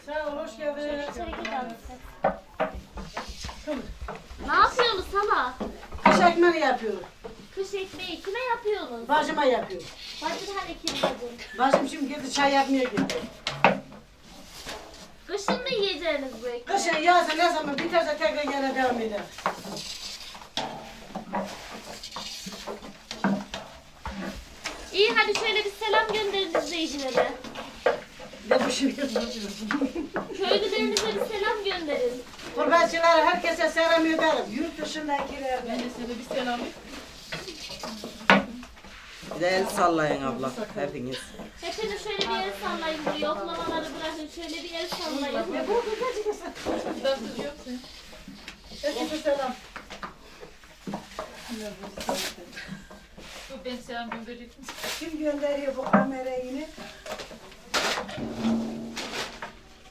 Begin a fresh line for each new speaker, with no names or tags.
Sağ ol, hoş geldin.
Ne yapıyorsunuz sabah?
Kış ekmeği yapıyorum.
Kış ekmeği kime yapıyorsunuz?
Bacıma yapıyorum.
Bacın hani kim bacın?
Bacım şimdi gitti çay yapmaya gitti.
Kışın mı yiyeceğiniz bu ekmeği?
Kışın yazın ne zaman biterse tekrar gene devam eder.
İyi hadi şöyle bir selam gönderin izleyicilere.
Ne bu şimdi?
Köylülerinize bir selam gönderin.
Gurbetçilere herkese selam ederim. Yurt dışındakiler.
Ben de sana bir selam et.
Bir de el sallayın abla hepiniz.
Hepiniz şöyle bir el sallayın buraya. Oklamaları bırakın. Şöyle bir el sallayın.
Dansız yoksa.
Herkese selam.
Bu ben selam gönderecek misin?
Kim gönderiyor bu kamerayı yine?